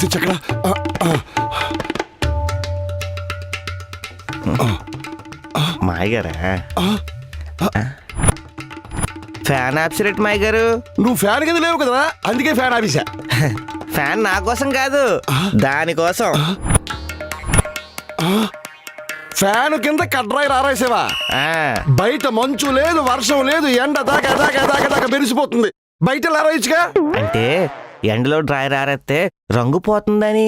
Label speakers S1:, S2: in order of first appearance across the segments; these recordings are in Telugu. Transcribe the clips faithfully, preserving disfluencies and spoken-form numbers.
S1: స్విచ్ ఎక్కడ?
S2: మాయగారా ఫ్యాన్ ఆప్సిరెట్ మాయ గారు.
S1: నువ్వు ఫ్యాన్ కింద లేవు కదరా, అందుకే ఫ్యాన్ ఆఫీసా.
S2: ఫ్యాన్ నా కోసం కాదు, దానికోసం.
S1: ఫ్యాన్ కింద కడ్రాయి రారాసేవా? బయట మంచు లేదు, వర్షం లేదు, ఎండ దాకా దాకా దాకా దాకా మెరిసిపోతుంది. బయట లారాయిచ్చుగా.
S2: అంటే ఎండలో డ్రై రారేస్తే రంగు పోతుందని.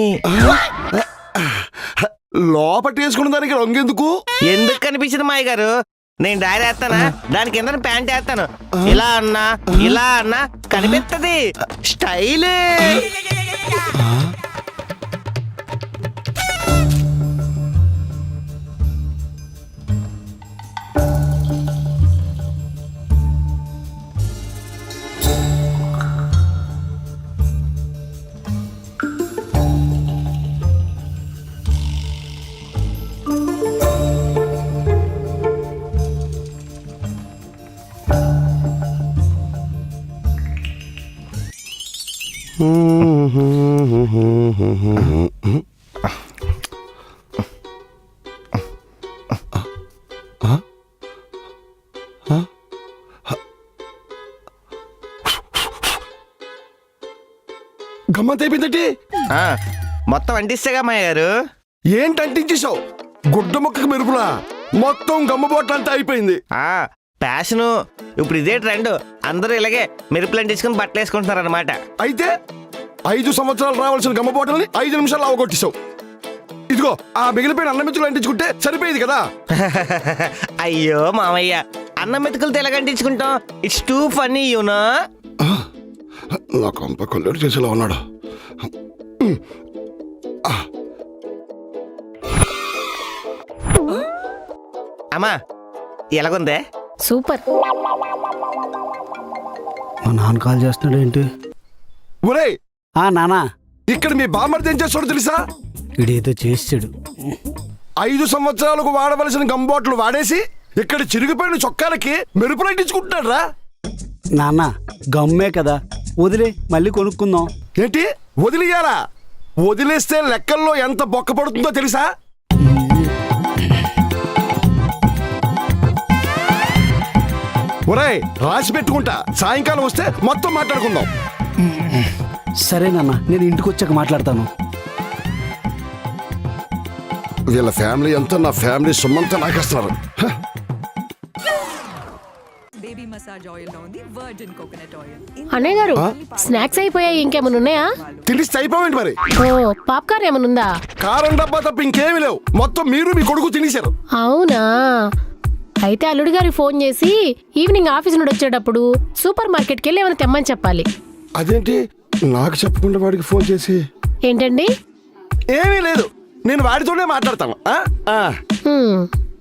S1: లోపట వేసుకున్న దానికి రంగు ఎందుకు?
S2: ఎందుకు కనిపించింది మాయ గారు? నేను డ్రైర్ వేస్తానా, దాని కింద ప్యాంట్ వేస్తాను. ఇలా అన్నా ఇలా అన్నా కనిపిస్తుంది. స్టైల్.
S1: గమ్మత్ అయిపోయిందంటే
S2: మొత్తం అంటిస్తేగా మాయ గారు.
S1: ఏంటి అంటించేసావు? గుడ్డ మొక్కకు మెరుపులా మొత్తం గమ్మబోట్లంతా అయిపోయింది.
S2: ప్యాషను ఇప్పుడు ఇదే ట్రెండ్. అందరూ ఇలాగే మెరుపులు అంటించుకుని బట్టలు వేసుకుంటున్నారు అనమాట.
S1: అయితే ఐదు సంవత్సరాలు రావాల్సిన గమ్మబోటల్ని ఐదు నిమిషాలు అవగొట్టేశావు. ఇదిగో ఆ మిగిలిపోయిన అన్నం మెతుకులు అంటించుకుంటే సరిపోయేది కదా.
S2: అయ్యో మామయ్య, అన్నం మెతుకులతో ఎలాగ అంటించుకుంటాం? It's too funny you know.
S1: నా కొంప కొల్లెడు చేసేలా ఉన్నాడు.
S2: అమ్మా ఎలాగుందే?
S3: సూపర్.
S4: మా నాన్న కాల్ చేస్తున్నాడు ఏంటి?
S1: ఒరే
S4: ఆ నానా,
S1: ఇక్కడ మీ బామ్మర్ది ఏం చేస్తాడో తెలుసా?
S4: ఇడేదో చేసాడు.
S1: ఐదు సంవత్సరాలకు వాడవలసిన గంబోట్లు వాడేసి ఇక్కడ చిరిగిపోయిన చొక్కాలకి మెరుపులు అంటించుకుంటున్నాడు రా.
S4: నాన్న గమ్మే కదా, వదిలే, మళ్ళీ కొనుక్కుందాం.
S1: ఏంటి వదిలేయాలా? వదిలేస్తే లెక్కల్లో ఎంత బొక్క పడుతుందో తెలుసా? ఒరేయ్ రాసి పెట్టుకుంటా, సాయంకాలం వస్తే మొత్తం మాట్లాడుకుందాం.
S4: సరే నాన్న, నేను ఇంటికి వచ్చాక మాట్లాడతాను.
S1: వీళ్ళ ఫ్యామిలీ అంతా నా ఫ్యామిలీ సొమ్మంతా నాకేస్తున్నారు.
S3: అన్నయ్య గారు, స్నాక్స్ అయిపోయాయి, ఇంకేమైనా ఉన్నాయా?
S1: తినిస్తే అయిపోయింది మరి.
S3: ఓ పాప్కార్న్ ఏమైనా ఉందా?
S1: కారం డబ్బా తప్ప ఇంకేమీ లేవు. మొత్తం మీరు మీ కొడుకు తినేశారు.
S3: అవునా? అయితే అల్లుడి గారికి ఫోన్ చేసి ఈవినింగ్ ఆఫీస్ నుండి వచ్చేటప్పుడు సూపర్ మార్కెట్కి వెళ్ళి ఏమైనా తెమ్మని చెప్పాలి.
S1: అదేంటి నాకు చెప్పకుండా వాడికి ఫోన్ చేసి?
S3: ఏంటండి?
S1: ఏమీ లేదు, నేను వాడితోనే మాట్లాడతాను.
S3: హ్మ్.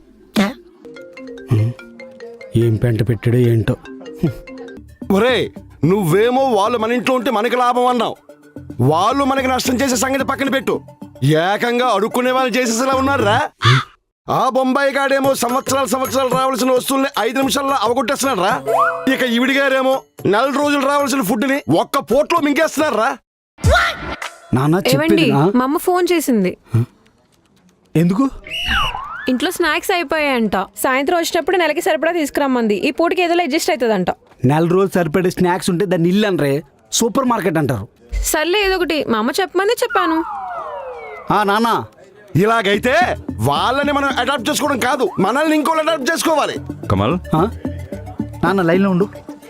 S4: ఏం పెంట పెట్టాడో ఏంటో.
S1: ఒరే నువ్వేమో వాళ్ళు మన ఇంట్లో ఉంటే మనకి లాభం అన్నావు. వాళ్ళు మనకి నష్టం చేసే సంగతి పక్కన పెట్టు. ఏకంగా అడుక్కునే వాళ్ళు చేసేసేలా ఉన్నారా? ఆ బొంబాయి గాడేమో సంవత్సరాలు సంవత్సరాలు రావాల్సిన వస్తువుల్ని ఐదు నిమిషాల్లో అవగొట్టేస్తున్నాడు రా. ఇక ఈవిడి గారేమో నెల రోజులు రావాల్సిన ఫుడ్ ని ఒక్క పోట్లో మింగేస్తున్నారు రా.
S4: నాన్న
S5: ఏవండి, మా అమ్మ ఫోన్ చేసింది.
S4: ఎందుకు?
S5: ఇంట్లో స్నాక్స్ అయిపోయాయంట. సాయంత్రం వచ్చేటప్పుడు నెలకి సరిపడా తీసుకురమ్మంది. ఈ పూటకి ఏదో అడ్జస్ట్ అవుతుందంట.
S4: నెల రోజులు సరిపడే స్నాక్స్ ఉంటే దాన్ని ఇల్లు అనరే, సూపర్ మార్కెట్ అంటారు.
S5: సర్లే ఏదో ఒకటి, మా అమ్మ చెప్పమంది చెప్పాను.
S4: ఆ నాన్న,
S1: ఇలాగైతే వాళ్ళని మనం అడాప్ట్ చేసుకోవడం కాదు, మనల్ని ఇంకోళ్ళు అడాప్ట్ చేసుకోవాలి.
S6: కమల్,
S4: నాన్న లైన్లో ఉండు.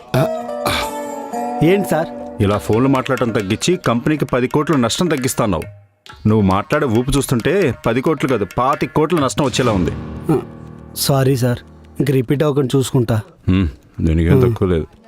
S4: ఏంటి సార్?
S6: ఇలా ఫోన్లు మాట్లాడటం తగ్గించి కంపెనీకి పది కోట్ల నష్టం తగ్గిస్తున్నావు. నువ్వు మాట్లాడే ఊపు చూస్తుంటే పది కోట్లు కాదు పాతి కోట్ల నష్టం వచ్చేలా ఉంది.
S4: సారీ సార్, ఇంక రిపీట్ అవ్వకుండా చూసుకుంటా.
S6: దీనికేం తక్కువ లేదు.